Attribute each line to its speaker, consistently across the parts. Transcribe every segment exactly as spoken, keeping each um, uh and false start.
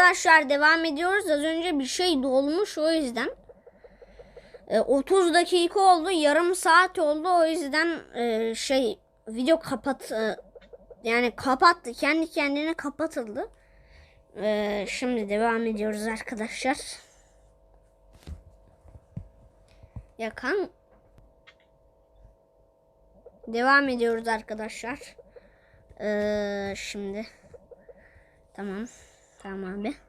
Speaker 1: arkadaşlar devam ediyoruz. Az önce bir şey dolmuş, o yüzden. E, otuz dakika oldu. Yarım saat oldu. O yüzden e, şey video kapat e, yani kapattı. Kendi kendine kapatıldı. E, şimdi devam ediyoruz arkadaşlar. Yakan. Devam ediyoruz arkadaşlar. E, şimdi. Tamam. Tamam abi.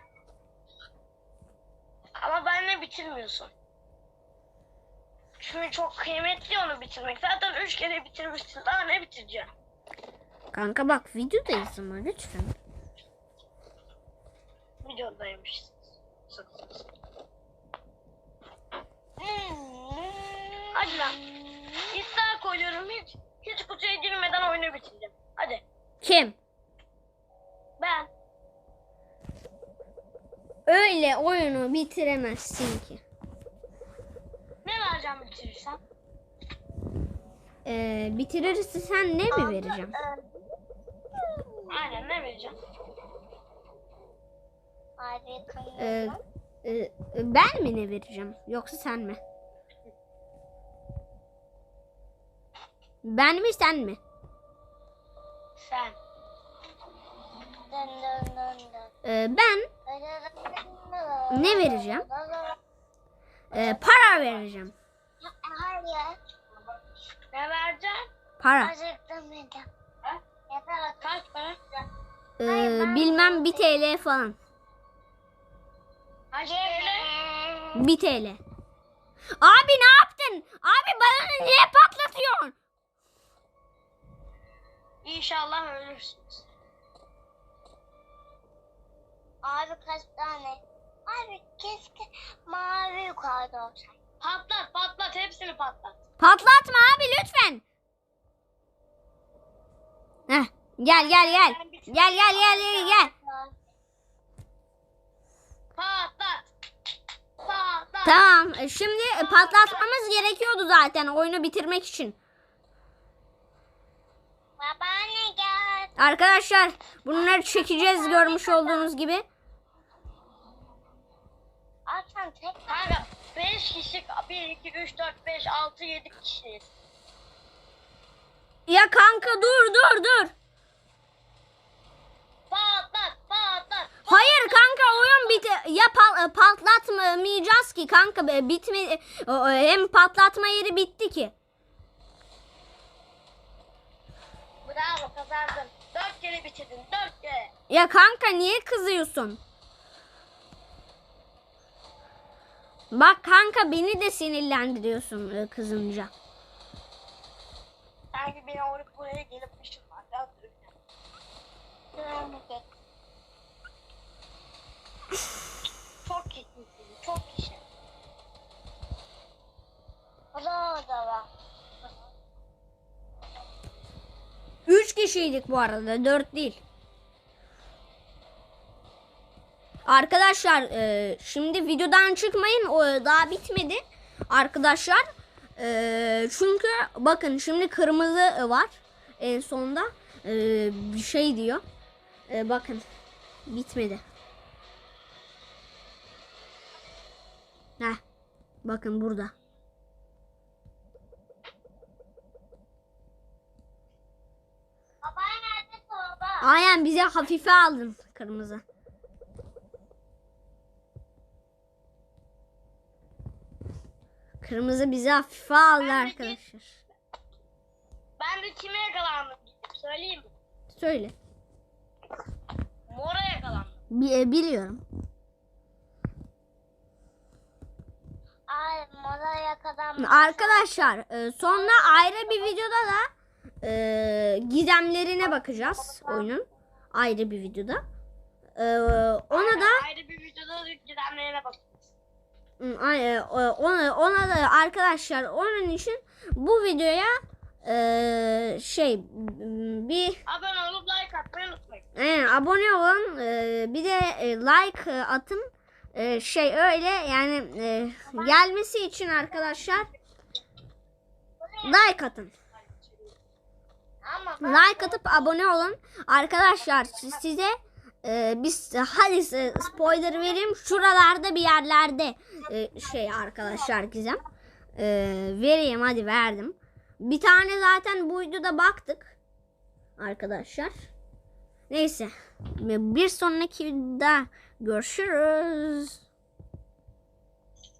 Speaker 2: Ama benle bitirmiyorsun. Çünkü çok kıymetli onu bitirmek. Zaten üç kere bitirmişsin. Daha ne bitireceğim?
Speaker 1: Kanka bak videodayız ama lütfen.
Speaker 2: Videodaymışsın. Hadi lan. İddia koyuyorum, hiç hiç kutuya girmeden oyunu bitireceğim. Hadi.
Speaker 1: Kim?
Speaker 2: Ben.
Speaker 1: Öyle oyunu bitiremezsin ki.
Speaker 2: Ne vereceğim bitirirsem?
Speaker 1: Ee, bitirirse sen ne mi vereceğim?
Speaker 2: Aynen, ne vereceğim?
Speaker 1: Ee, e, ben mi ne vereceğim? Yoksa sen mi? Ben mi sen mi?
Speaker 2: Sen.
Speaker 1: Ee, ben ne vereceğim? Ee, para vereceğim.
Speaker 2: Hayır. Ne vereceğim?
Speaker 1: Para.
Speaker 2: Kaç para?
Speaker 1: Ee, bilmem bir T L falan.
Speaker 2: Kaç TL?
Speaker 1: bir T L. Abi ne yaptın? Abi balonu niye patlatıyorsun?
Speaker 2: İnşallah ölürsünüz.
Speaker 3: Abi kaç tane? Abi keşke mavi yukarıda olsaydı.
Speaker 2: Patlat patlat, hepsini patlat.
Speaker 1: Patlatma abi lütfen. Heh, gel gel gel. Gel gel gel gel gel.
Speaker 2: Patlat. Patlat.
Speaker 1: Tamam. e, Şimdi e, patlatmamız gerekiyordu zaten oyunu bitirmek için.
Speaker 3: Babaanne gel.
Speaker 1: Arkadaşlar bunları çekeceğiz görmüş olduğunuz gibi.
Speaker 3: Açan tek.
Speaker 2: Kanka beş kişi, bir, iki, üç, dört, beş, altı, yedi kişiyiz.
Speaker 1: Ya kanka dur dur dur.
Speaker 2: Patlat patlat.
Speaker 1: Hayır kanka oyun bit ya pal patlatmayacağız ki kanka be, bitme hem patlatma yeri bitti ki.
Speaker 2: Bravo, kazandın. Dört kere bitirdin, dört kere.
Speaker 1: Ya kanka niye kızıyorsun? Bak kanka beni de sinirlendiriyorsun e, kızınca.
Speaker 2: Sanki beni oraya buraya gelip ışınlar. Biraz Çok kişi, çok kişi.
Speaker 3: O da o da var.
Speaker 1: Üç kişiydik bu arada, dört değil. Arkadaşlar e, şimdi videodan çıkmayın, o daha bitmedi arkadaşlar. E, çünkü bakın şimdi kırmızı var en sonda e, bir şey diyor. E, bakın bitmedi. Heh, bakın burada.
Speaker 3: Babaanne nerede baba?
Speaker 1: Aynen bize hafife aldın kırmızı. Kırmızı bizi hafife aldı
Speaker 2: Ben de
Speaker 1: arkadaşlar.
Speaker 2: Ben de kime yakalandım? Söyleyeyim mi?
Speaker 1: Söyle.
Speaker 2: Mora yakalandım.
Speaker 1: Bi- biliyorum.
Speaker 3: Ay molaya kadar.
Speaker 1: Arkadaşlar e, sonra ayrı bir videoda da e, gizemlerine bakacağız oyunun. Ayrı bir videoda. E, ona da
Speaker 2: Ayrı bir videoda gidenlerine bakacağız.
Speaker 1: Hı, ay- e, ona, ona da arkadaşlar onun için bu videoya e, şey bir
Speaker 2: Abone olup like atmayı unutmayın.
Speaker 1: e, abone olun, e, bir de e, like e, atın. E, şey öyle yani e, gelmesi için arkadaşlar like atın.
Speaker 3: Ama
Speaker 1: Like atıp abone olun. Arkadaşlar size Ee, biz hadi size spoiler vereyim. Şuralarda bir yerlerde e, şey arkadaşlar Gizem. Ee, vereyim hadi verdim. Bir tane zaten buydu da baktık. Arkadaşlar. Neyse. Bir sonraki videoda görüşürüz.